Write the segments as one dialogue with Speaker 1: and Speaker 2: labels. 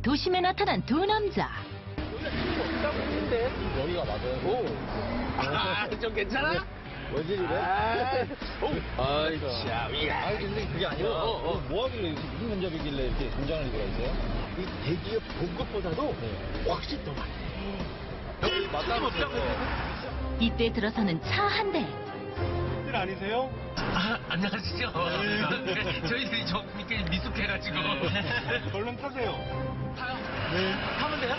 Speaker 1: 도심에 나타난 두 남자.
Speaker 2: 여기가 맞아요.
Speaker 3: 좀 괜찮아?
Speaker 2: 왜지 이래?
Speaker 3: 아이, 참,
Speaker 2: 아니 근데 그게 아니라 뭐 하길래 이렇게 무슨 면접이길래 이렇게 공장을 들어가 있어요?
Speaker 3: 이 대기업 본 것보다도 훨씬 더 많네. 여기 맞다면서요?
Speaker 1: 이때 들어서는 차 한 대.
Speaker 4: 들 아니세요?
Speaker 3: 안녕하시죠. 저희들이 좀 이렇게 미숙해가지고.
Speaker 4: 얼른 타세요.
Speaker 3: 타요? 네. 타면 돼요?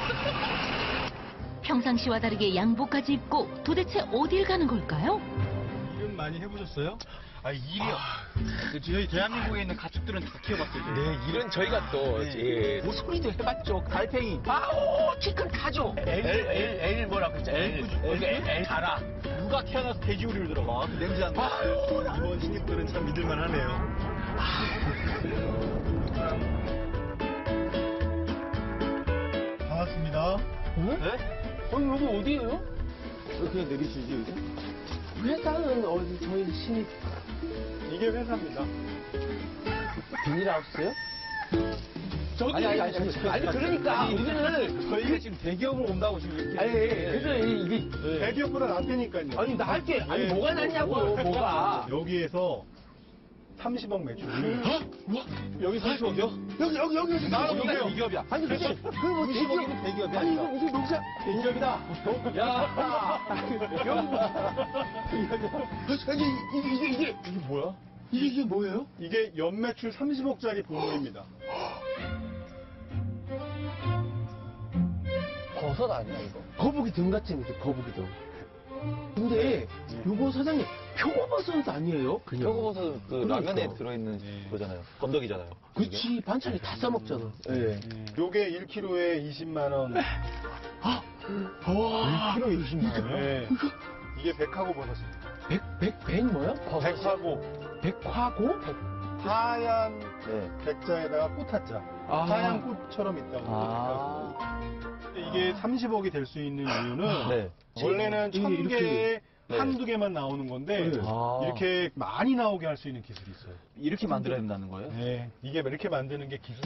Speaker 1: 평상시와 다르게 양복까지 입고 도대체 어딜 가는 걸까요?
Speaker 4: 일은 많이 해보셨어요?
Speaker 2: 아 일이요. 저희 대한민국에 있는 가축들은 다 키워봤어요.
Speaker 3: 네, 일은 저희가 또, 예.
Speaker 2: 고소리도 해봤죠. 달팽이.
Speaker 3: 아오, 치킨 타죠. L 뭐라고 했죠? L 달아.
Speaker 2: 누가 태어나서 돼지우리를 들어가? 그 냄새 안 나.
Speaker 4: 이번 신입들은 참 믿을만하네요. 반갑습니다.
Speaker 2: 네?
Speaker 5: 여기 어디예요?
Speaker 2: 그냥 내리시지 여기서?
Speaker 5: 회사는 어디 저희 신입
Speaker 4: 이게 회사입니다.
Speaker 5: 비닐하우스요? 아니 그러니까 우리는
Speaker 2: 저희가 지금 대기업으로 온다고 지금 이렇게.
Speaker 5: 아니 그래서 이게
Speaker 4: 대기업보다 낫다니까요.
Speaker 5: 아니 나할게 아니
Speaker 4: 네.
Speaker 5: 뭐가 낫냐고요 뭐가
Speaker 4: 여기에서 30억 매출.
Speaker 2: 여기 30억이요?
Speaker 5: 여기
Speaker 2: 나는
Speaker 4: 여기요.
Speaker 2: 대기업이야.
Speaker 5: 아니 근데 그뭐
Speaker 2: 90억이면 대기업이야.
Speaker 5: 아니 이거 무슨 농사
Speaker 2: 대기업이다.
Speaker 5: 야 여기 아니 이게
Speaker 2: 뭐야?
Speaker 5: 이게 뭐예요?
Speaker 4: 이게 연매출 30억짜리 본부입니다.
Speaker 5: 버섯 아니야 이거? 거북이 등 같은 게 거북이 등. 근데 요거 사장님 표고버섯 아니에요? 그냥.
Speaker 2: 표고버섯 그
Speaker 5: 그러니까.
Speaker 2: 라면에 들어있는 그거잖아요. 건더기잖아요.
Speaker 5: 그치 반찬에 다 싸먹잖아. 예.
Speaker 4: 요게 1kg에 20만 원.
Speaker 5: 와 1kg 20만 원.
Speaker 4: 네. 이게 백화고 버섯입니다.
Speaker 5: 백 뭐야?
Speaker 4: 백화고.
Speaker 5: 백화고?
Speaker 4: 하얀
Speaker 2: 네.
Speaker 4: 백자에다가 꽃하자.
Speaker 5: 아.
Speaker 4: 하얀 꽃처럼 있다고. 백화고. 이게 30억이 될 수 있는 이유는
Speaker 2: 네.
Speaker 4: 원래는
Speaker 5: 이게
Speaker 4: 1000개에
Speaker 5: 이렇게.
Speaker 4: 한두 개만 나오는 건데
Speaker 5: 네.
Speaker 2: 아.
Speaker 4: 이렇게 많이 나오게 할 수 있는 기술이 있어요.
Speaker 2: 이렇게 만들어야 된다는 거예요?
Speaker 4: 네, 이게 이렇게 만드는 게 기술.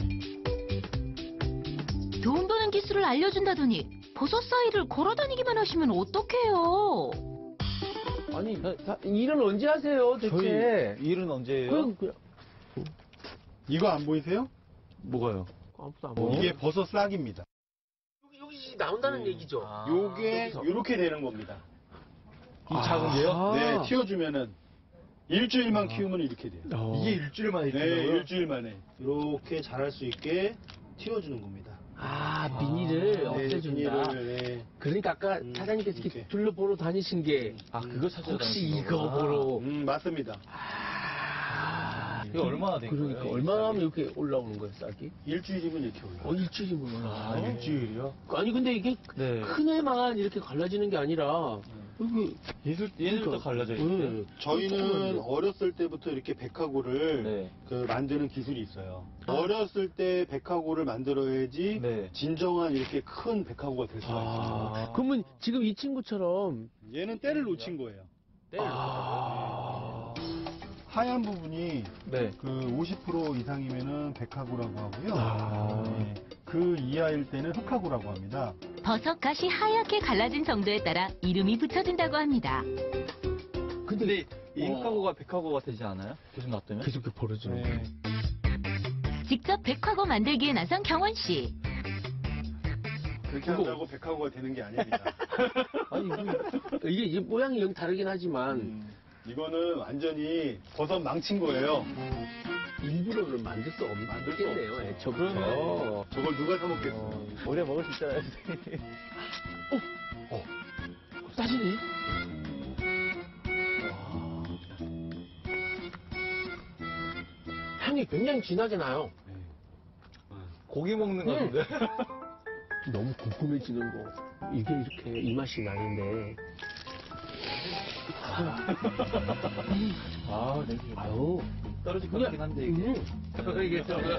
Speaker 1: 돈 버는 기술을 알려준다더니 버섯 사이를 걸어다니기만 하시면 어떡해요?
Speaker 5: 아니 일은 언제 하세요 대체?
Speaker 2: 일은 언제예요?
Speaker 5: 그냥
Speaker 4: 이거 안 보이세요?
Speaker 5: 뭐가요? 아무도 안 보여.
Speaker 4: 이게 버섯 싹입니다.
Speaker 5: 여기 나온다는 얘기죠.
Speaker 4: 요게 이렇게 되는 겁니다.
Speaker 2: 이 작은 게요?
Speaker 4: 네, 튀어주면은 일주일만 키우면 이렇게 돼요.
Speaker 2: 이게 일주일 만에
Speaker 4: 네, 일주일 만에 이렇게 자랄 수 있게 틔워주는 겁니다.
Speaker 5: 비닐을
Speaker 4: 네,
Speaker 5: 없애준다.
Speaker 4: 비닐을, 네.
Speaker 5: 그러니까 아까 사장님께서 이렇게
Speaker 4: 이렇게.
Speaker 5: 둘러보러 다니신 게
Speaker 2: 그거 찾아다니신
Speaker 5: 혹시 이거
Speaker 2: 거구나.
Speaker 5: 보러
Speaker 4: 맞습니다.
Speaker 2: 이게 얼마나 된
Speaker 5: 그러니까
Speaker 2: 거예요?
Speaker 5: 얼마나 하면 이렇게 올라오는 거예요 쌀이?
Speaker 4: 일주일이면 이렇게 올라와요.
Speaker 5: 일주일이면 올라.
Speaker 2: 일주일이요?
Speaker 5: 아니 근데 이게
Speaker 2: 네.
Speaker 5: 큰 애만 이렇게 갈라지는 게 아니라 여기
Speaker 2: 얘들도 갈라져 있는데?
Speaker 5: 네.
Speaker 4: 저희는 어렸을 때부터 이렇게 백화고를
Speaker 2: 네.
Speaker 4: 그 만드는 기술이 있어요. 어렸을 때 백화고를 만들어야지
Speaker 2: 네.
Speaker 4: 진정한 이렇게 큰 백화고가 될 수가 있어요.
Speaker 5: 그러면 지금 이 친구처럼
Speaker 4: 얘는 때를 놓친 거예요. 하얀 부분이
Speaker 2: 네.
Speaker 4: 그 50% 이상이면은 백화고라고 하고요. 네. 그 이하일 때는 흑화고라고 합니다.
Speaker 1: 버섯 가시 하얗게 갈라진 정도에 따라 이름이 붙여진다고 합니다.
Speaker 2: 근데 이 흑화고가 백화고가 되지 않아요? 계속 놔두면?
Speaker 5: 계속 이렇게 벌어지는 거예요.
Speaker 4: 네.
Speaker 1: 직접 백화고 만들기에 나선 경원 씨.
Speaker 4: 그렇게 한다고 백화고가 되는 게 아닙니다.
Speaker 5: 아니 이게 모양이 여기 다르긴 하지만
Speaker 4: 이거는 완전히 버섯 망친 거예요.
Speaker 5: 일부러는 만들 수 없겠네요. 애초부터.
Speaker 4: 저걸 누가 사 먹겠어?
Speaker 2: 오래 먹을 수 있잖아요.
Speaker 5: 싸지네. 향이 굉장히 진하게 나요.
Speaker 2: 고기 먹는 거 같은데?
Speaker 5: 너무 궁금해지는 거. 이게 이렇게 이 맛이 나는데.
Speaker 2: 냄새.
Speaker 5: 아유.
Speaker 2: 떨어질 것 같긴 한데, 이게. 이게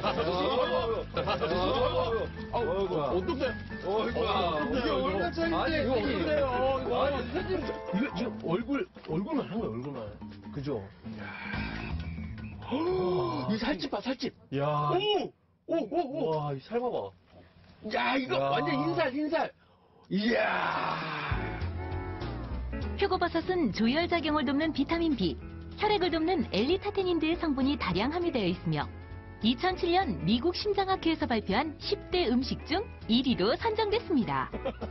Speaker 5: 어떡해.
Speaker 2: 이게 얼마 차인데? 아니, 이거 어떡해요?
Speaker 5: 이거 얼굴만 한 거야, 얼굴만. 그죠? 이 살집 봐, 살집.
Speaker 2: 야.
Speaker 5: 오!
Speaker 2: 와, 이 살 봐봐.
Speaker 5: 야, 이거
Speaker 2: 야.
Speaker 5: 완전 흰살. 이야.
Speaker 1: 표고버섯은 조혈작용을 돕는 비타민 B, 혈액을 돕는 엘리타테닌 등의 성분이 다량 함유되어 있으며 2007년 미국 심장학회에서 발표한 10대 음식 중 1위로 선정됐습니다.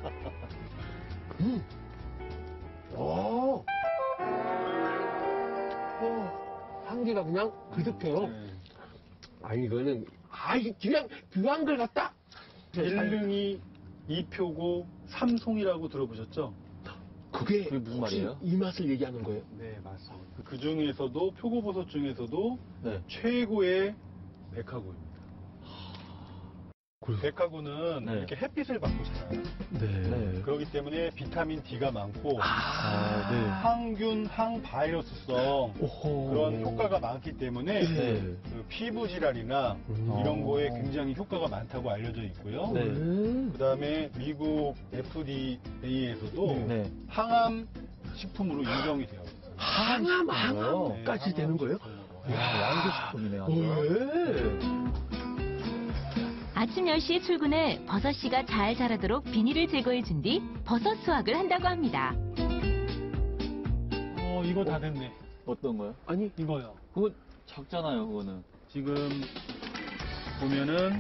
Speaker 5: 오. 향기가 그냥 그득해요. 아니, 이거는, 그냥 귀한 걸 갖다.
Speaker 4: 1등이 이표고 삼송이라고 들어보셨죠?
Speaker 5: 그게
Speaker 2: 무슨
Speaker 5: 혹시
Speaker 2: 말이에요?
Speaker 5: 이 맛을 얘기하는 거예요?
Speaker 4: 네, 맞습니다. 그 중에서도 표고버섯 중에서도
Speaker 2: 네.
Speaker 4: 최고의 백화고입니다.
Speaker 5: 그래요?
Speaker 4: 백화고는
Speaker 2: 네.
Speaker 4: 이렇게 햇빛을 받고 자라요.
Speaker 2: 네.
Speaker 4: 그렇기 때문에 비타민 D가 많고
Speaker 2: 네.
Speaker 4: 항균, 항바이러스성
Speaker 5: 오호.
Speaker 4: 그런 효과가 많기 때문에
Speaker 2: 네.
Speaker 4: 그 피부 질환이나 이런 거에 굉장히 효과가 많다고 알려져 있고요.
Speaker 2: 네.
Speaker 4: 그다음에 미국 FDA에서도
Speaker 2: 네.
Speaker 4: 항암 식품으로 인정이 되어 있어요.
Speaker 5: 항암까지
Speaker 4: 네,
Speaker 5: 되는 거예요?
Speaker 2: 양조식품이네,
Speaker 5: 왜?
Speaker 1: 아침 10시에 출근해 버섯씨가 잘 자라도록 비닐을 제거해준 뒤 버섯 수확을 한다고 합니다.
Speaker 4: 이거 다 됐네.
Speaker 2: 어떤 거요?
Speaker 5: 아니,
Speaker 4: 이거요.
Speaker 2: 그거 작잖아요, 그거는.
Speaker 4: 지금 보면은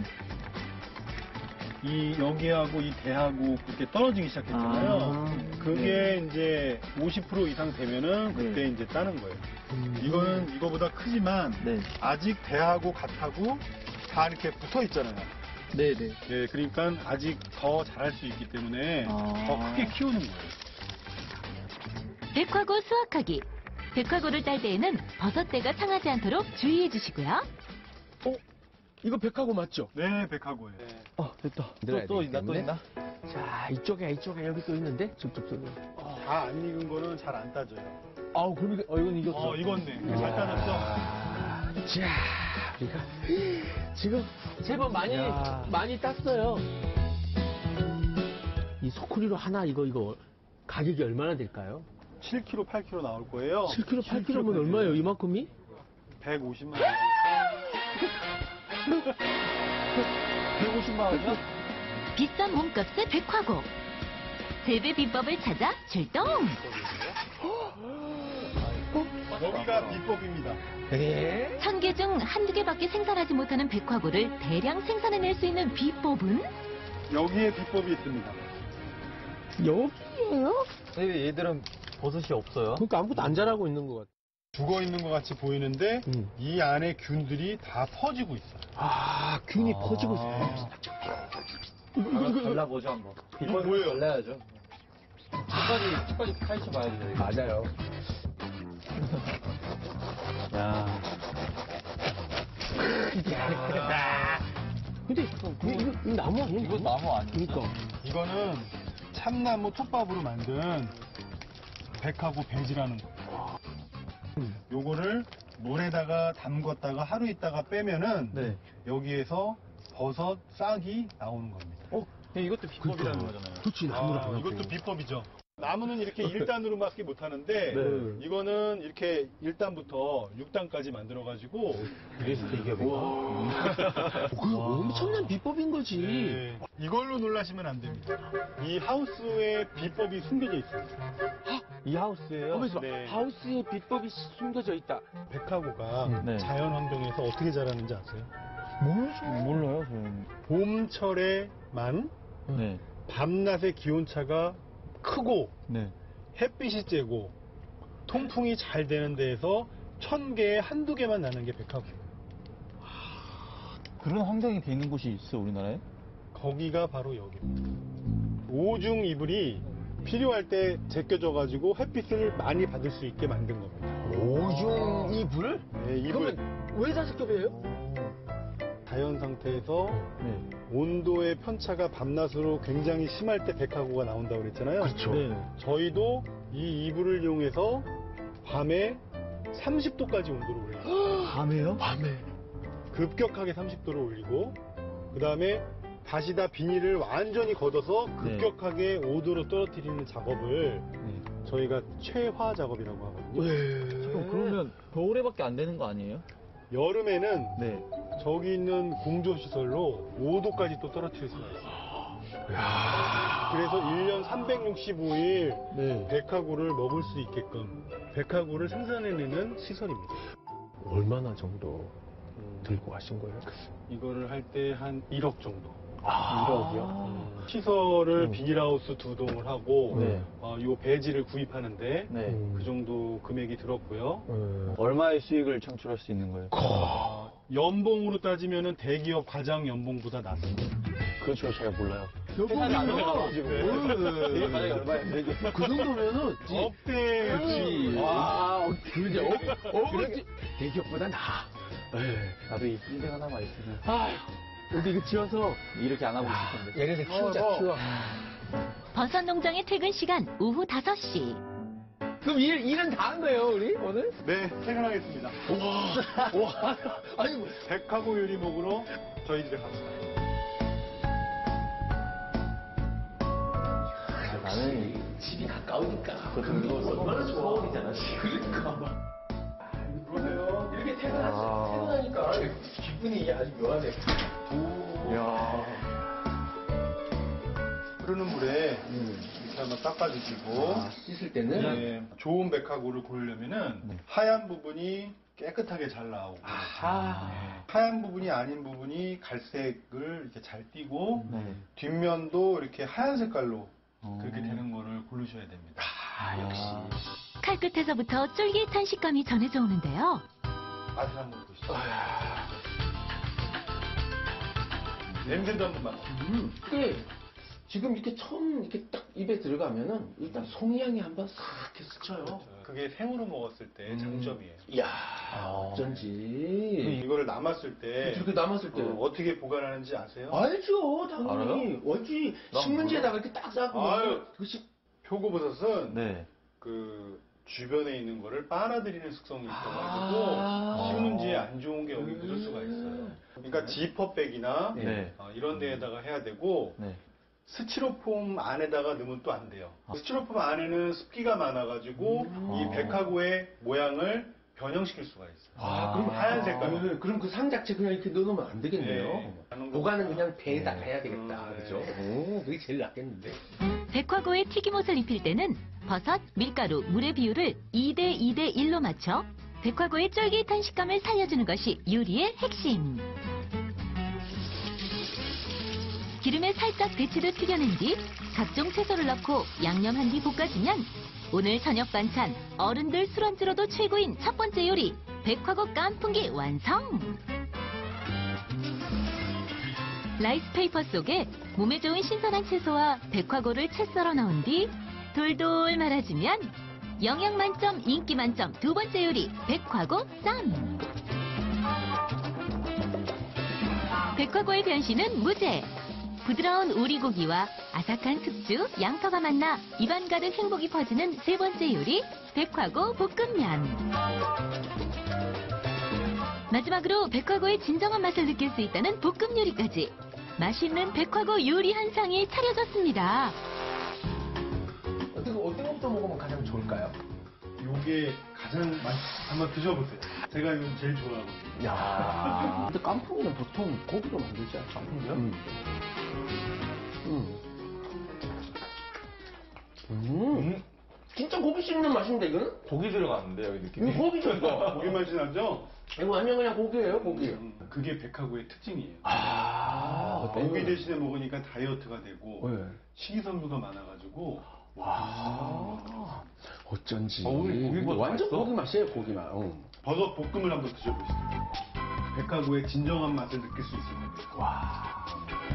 Speaker 4: 이 여기하고 이 대하고 그렇게 떨어지기 시작했잖아요. 그게 이제 50% 이상 되면은 그때 이제 따는 거예요. 이거는 이거보다 크지만
Speaker 2: 네.
Speaker 4: 아직 대하고 갓하고 다 이렇게 붙어 있잖아요.
Speaker 2: 네네.
Speaker 4: 예, 그러니까 아직 더 자랄 수 있기 때문에 더 크게 키우는 거예요.
Speaker 1: 백화고 수확하기. 백화고를 딸 때에는 버섯대가 상하지 않도록 주의해 주시고요.
Speaker 5: 이거 백화고 맞죠?
Speaker 4: 네, 백화고예요.
Speaker 2: 됐다.
Speaker 5: 들어야
Speaker 2: 또
Speaker 5: 되기
Speaker 2: 있나, 또
Speaker 5: 때문에.
Speaker 2: 있나?
Speaker 5: 자, 이쪽에 여기 또 있는데? 쭉쭉쭉.
Speaker 4: 다 안 익은 거는 잘 안 따져요.
Speaker 5: 아우, 그럼
Speaker 2: 이건 이겼어.
Speaker 4: 익었네. 잘 따졌어.
Speaker 5: 자, 우리가 지금 제법 많이 땄어요. 이 소쿠리로 하나 이거 가격이 얼마나 될까요?
Speaker 4: 7kg, 8kg 나올 거예요.
Speaker 5: 7kg, 8kg면 얼마예요? 이만큼이?
Speaker 4: 150만 원.
Speaker 2: 150만 원이요?
Speaker 1: 비싼 몸값의 백화고. 재배 비법을 찾아 출동!
Speaker 4: 여기가 비법입니다.
Speaker 5: 네.
Speaker 1: 1000개 중 한두 개밖에 생산하지 못하는 백화고를 대량 생산해낼 수 있는 비법은?
Speaker 4: 여기에 비법이 있습니다.
Speaker 5: 여기에요?
Speaker 2: 왜 얘들은 버섯이 없어요?
Speaker 5: 그러니까 아무것도 안 자라고 있는 것 같아.
Speaker 4: 죽어 있는 것 같이 보이는데 이 안에 균들이 다 퍼지고 있어요.
Speaker 5: 아, 균이 퍼지고 있어. 이거.
Speaker 2: 발라보죠, 한번.
Speaker 4: 이거 뭐예요?
Speaker 2: 발라야죠. 끝까지 파헤쳐 봐야 돼요.
Speaker 5: 맞아요.
Speaker 4: 야,
Speaker 5: 근데 이거 나무 아니야?
Speaker 2: 이거 나무 아니에요?
Speaker 5: 그러니까.
Speaker 4: 이거는 참나무 톱밥으로 만든 백하고 배지라는 거예요. 요거를 물에다가 담궜다가 하루 있다가 빼면은
Speaker 2: 네.
Speaker 4: 여기에서 버섯 싹이 나오는 겁니다.
Speaker 2: 이것도 비법이라는 거잖아요.
Speaker 5: 그렇지, 나무를 안 하고.
Speaker 4: 이것도 비법이죠. 나무는 이렇게 1단으로밖에 못하는데
Speaker 2: 네.
Speaker 4: 이거는 이렇게 1단부터 6단까지 만들어가지고
Speaker 2: 그래서 이게 뭐.
Speaker 5: 그 엄청난 비법인 거지.
Speaker 4: 네, 이걸로 놀라시면 안 됩니다. 이 하우스에 비법이 숨겨져 있습니다.
Speaker 2: 이 하우스예요?
Speaker 5: 거기서
Speaker 4: 네.
Speaker 5: 하우스의 비법이 숨겨져 있다.
Speaker 4: 백화고가
Speaker 2: 네.
Speaker 4: 자연 환경에서 어떻게 자라는지 아세요?
Speaker 2: 몰라요, 저는.
Speaker 4: 봄철에만
Speaker 2: 네.
Speaker 4: 밤낮의 기온차가 크고
Speaker 2: 네.
Speaker 4: 햇빛이 쬐고 통풍이 잘 되는 데에서 1000개에 한두 개만 나는 게 백화고예요.
Speaker 2: 그런 환경이 돼 있는 곳이 있어, 우리나라에?
Speaker 4: 거기가 바로 여기입니다. 오중 이불이 필요할 때 제껴져가지고 햇빛을 많이 받을 수 있게 만든 겁니다.
Speaker 5: 오중 이불?
Speaker 4: 네, 이불.
Speaker 5: 그러면 왜 5겹이에요?
Speaker 4: 자연 상태에서
Speaker 2: 네.
Speaker 4: 온도의 편차가 밤낮으로 굉장히 심할 때 백화고가 나온다고 그랬잖아요.
Speaker 5: 그렇죠.
Speaker 2: 네.
Speaker 4: 저희도 이 이불을 이용해서 밤에 30도까지 온도를 올려요.
Speaker 2: 밤에요?
Speaker 5: 밤에.
Speaker 4: 급격하게 30도를 올리고 그 다음에 다시 다 비닐을 완전히 걷어서 급격하게 5도로 떨어뜨리는 작업을
Speaker 2: 네.
Speaker 4: 저희가 최화 작업이라고 하거든요.
Speaker 5: 왜?
Speaker 2: 그러면 겨울에밖에 안 되는 거 아니에요?
Speaker 4: 여름에는
Speaker 2: 네.
Speaker 4: 저기 있는 공조 시설로 5도까지 또 떨어뜨릴 수가 있어요. 그래서 1년 365일
Speaker 5: 네.
Speaker 4: 백화구를 먹을 수 있게끔 백화구를 생산해내는 시설입니다.
Speaker 5: 얼마나 정도 들고 가신 거예요?
Speaker 4: 이거를 할 때 한 1억 정도.
Speaker 5: 1억이요?
Speaker 4: 시설을 비닐하우스 2동을 하고
Speaker 5: 네.
Speaker 4: 요 배지를 구입하는데
Speaker 2: 네.
Speaker 4: 그 정도 금액이 들었고요.
Speaker 2: 얼마의 수익을 창출할 수 있는 거예요?
Speaker 4: 연봉으로 따지면은 대기업 과장 연봉보다 낮습니다.
Speaker 2: 그렇죠, 잘 몰라요.
Speaker 5: 회사를 안
Speaker 2: 가가지고. 이게 만약에 얼마예요? 이게?
Speaker 5: 그 정도면은
Speaker 4: 업대지.
Speaker 5: 와, 그죠? 대기업보다 나아.
Speaker 2: 나도 이 빌딩 하나만 있으면
Speaker 5: 아휴, 근데 이거 지어서
Speaker 2: 이렇게 안 하고 있을 텐데.
Speaker 5: 얘네들 키우자, 키워.
Speaker 1: 버섯 농장의 퇴근 시간 오후 5시.
Speaker 5: 그럼 일은 다 한 거예요, 우리 오늘?
Speaker 4: 네, 퇴근하겠습니다.
Speaker 5: 와, 아니 뭐.
Speaker 4: 백화구 요리 먹으러 저희 집에 갑시다.
Speaker 2: 나는
Speaker 5: 집이 가까우니까.
Speaker 2: 그거
Speaker 5: 얼마나 좋아. 서울이잖아, 그러니까.
Speaker 4: 그러세요.
Speaker 5: 이렇게 퇴근하니까 기분이 아주 묘하네.
Speaker 2: 이야.
Speaker 4: 흐르는 물에 이렇게 한번 닦아주시고
Speaker 5: 씻을 때는
Speaker 4: 네, 좋은 백화구를 고르려면은 하얀 부분이 깨끗하게 잘 나오고 하얀 부분이 아닌 부분이 갈색을 이렇게 잘 띄고
Speaker 2: 네.
Speaker 4: 뒷면도 이렇게 하얀 색깔로 그렇게 되는 거를 고르셔야 됩니다.
Speaker 5: 역시.
Speaker 1: 칼끝에서부터 쫄깃한 식감이 전해져 오는데요.
Speaker 4: 맛을 한번 보시죠. 냄새도 한번 맡아보세요.
Speaker 5: 이게 지금 이렇게 처음 이렇게 딱 입에 들어가면은 일단 송이향이 한번 싹 이렇게 스쳐요.
Speaker 4: 그게 생으로 먹었을 때 장점이에요.
Speaker 5: 이야, 어쩐지.
Speaker 4: 이거를 남았을 때
Speaker 5: 이렇게 남았을 때.
Speaker 4: 어떻게 보관하는지 아세요?
Speaker 5: 알죠, 당연히.
Speaker 2: 알아요?
Speaker 5: 알지.
Speaker 2: 난
Speaker 5: 신문지에다가 이렇게 딱 싸고.
Speaker 4: 아유.
Speaker 5: 그것이
Speaker 4: 표고버섯은
Speaker 2: 네.
Speaker 4: 그 주변에 있는 거를 빨아들이는 숙성이 있어가지고
Speaker 5: 아.
Speaker 4: 신문지에 안 좋은 게 여기 묻을 수가 있어요. 그러니까 지퍼백이나
Speaker 2: 네.
Speaker 4: 이런 데에다가 해야 되고
Speaker 2: 네.
Speaker 4: 스티로폼 안에다가 넣으면 또 안 돼요.
Speaker 2: 아.
Speaker 4: 스티로폼 안에는 습기가 많아가지고 이 백화구의 모양을 변형시킬 수가 있어요.
Speaker 5: 그럼
Speaker 4: 하얀 색깔.
Speaker 5: 그럼 그 상 자체 그냥 이렇게 넣어놓으면 안 되겠네요.
Speaker 4: 네.
Speaker 5: 보관은 그냥 배에다가 해야 되겠다.
Speaker 4: 네.
Speaker 5: 그죠? 오, 그게 제일 낫겠는데.
Speaker 1: 백화고에 튀김옷을 입힐 때는 버섯, 밀가루, 물의 비율을 2대 2대 1로 맞춰 백화고의 쫄깃한 식감을 살려주는 것이 요리의 핵심. 기름에 살짝 데치듯 튀겨낸 뒤 각종 채소를 넣고 양념한 뒤 볶아주면 오늘 저녁 반찬 어른들 술안주로도 최고인 첫 번째 요리 백화고 깐풍기 완성! 라이스페이퍼 속에 몸에 좋은 신선한 채소와 백화고를 채 썰어 넣은 뒤 돌돌 말아주면 영양 만점, 인기 만점 두 번째 요리 백화고 쌈! 백화고의 변신은 무제! 부드러운 오리고기와 아삭한 숙주, 양파가 만나 입안 가득 행복이 퍼지는 세 번째 요리 백화고 볶음면. 마지막으로 백화고의 진정한 맛을 느낄 수 있다는 볶음 요리까지 맛있는 백화고 요리 한 상이 차려졌습니다.
Speaker 5: 어떤 것부터 먹으면 가장 좋을까요?
Speaker 4: 요게 가장 한번 드셔보세요. 제가 이거 제일 좋아하거든요.
Speaker 5: 야. 근데 깐풍기는 보통 고기로 만들지 않죠? 깐풍기요? 진짜 고기 씹는 맛인데, 이거는?
Speaker 2: 고기 들어갔는데 여기 느낌이.
Speaker 5: 이거 고기죠, 이거?
Speaker 4: 고기 맛이 나죠?
Speaker 5: 이거 완전 그냥 고기예요, 고기.
Speaker 4: 그게 백화구의 특징이에요.
Speaker 5: 고기
Speaker 4: 고기 대신에 먹으니까 다이어트가 되고
Speaker 5: 네.
Speaker 4: 식이섬유가 많아가지고
Speaker 5: 어쩐지.
Speaker 2: 우리 고기보다
Speaker 5: 완전
Speaker 2: 맛있어?
Speaker 5: 고기 맛이에요, 고기 맛.
Speaker 4: 버섯 볶음을 한번 드셔보시죠. 백화구의 진정한 맛을 느낄 수 있을 겁니다.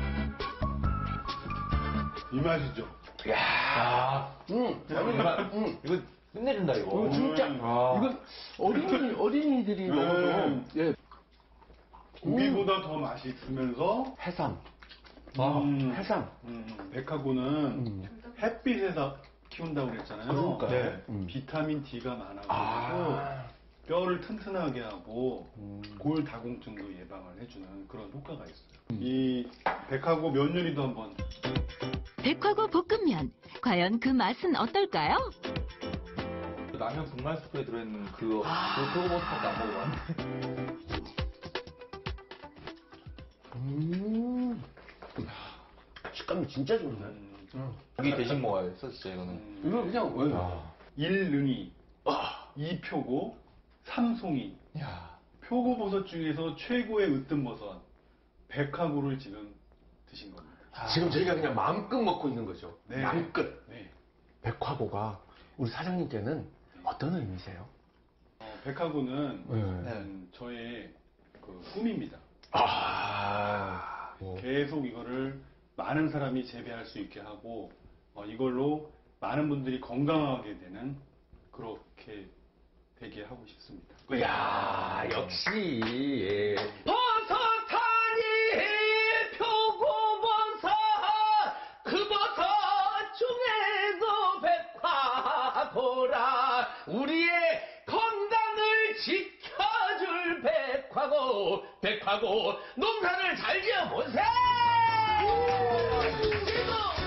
Speaker 4: 이 맛이죠?
Speaker 5: 야.
Speaker 2: 이거 끝내준다 이거.
Speaker 5: 진짜.
Speaker 2: 아.
Speaker 5: 이건 어린이들이 먹어도. 예.
Speaker 4: 고기보다 더 맛이 있으면서
Speaker 5: 해삼. 해삼.
Speaker 4: 백화구는 햇빛에서 키운다고 그랬잖아요.
Speaker 5: 그러니까요.
Speaker 4: 네. 비타민 D가 많아가지고 뼈를 튼튼하게 하고 골다공증도 예방을 해주는 그런 효과가 있어요. 이 백화구 면 요리도 한번.
Speaker 1: 백화고 볶음면 과연 그 맛은 어떨까요?
Speaker 2: 라면 분말 스프에 들어있는 그거 표고버섯밖에 안 먹어봤는데.
Speaker 5: 식감 식감이 진짜 좋은데.
Speaker 2: 여기 대신 먹어야 소스죠, 이거는.
Speaker 5: 이거 그냥 왜?
Speaker 4: 일능이, 이표고, 삼송이.
Speaker 2: 야.
Speaker 4: 표고버섯 중에서 최고의 으뜸버섯, 백화구를 지금 드신 겁니다.
Speaker 5: 지금 저희가 그냥 마음껏 먹고 있는 거죠.
Speaker 4: 네.
Speaker 5: 마음껏.
Speaker 4: 네.
Speaker 5: 백화고가 우리 사장님께는 어떤 의미세요?
Speaker 4: 백화구는
Speaker 5: 네.
Speaker 4: 저의 그 꿈입니다.
Speaker 5: 뭐.
Speaker 4: 계속 이거를 많은 사람이 재배할 수 있게 하고 이걸로 많은 분들이 건강하게 되는 그렇게 되게 하고 싶습니다.
Speaker 5: 이야, 역시. 예.
Speaker 3: 버섯하니 표고버섯 그 버섯 중에도 백화고라 우리의 건강을 지켜줄 백화고 농사를 잘 지어보세!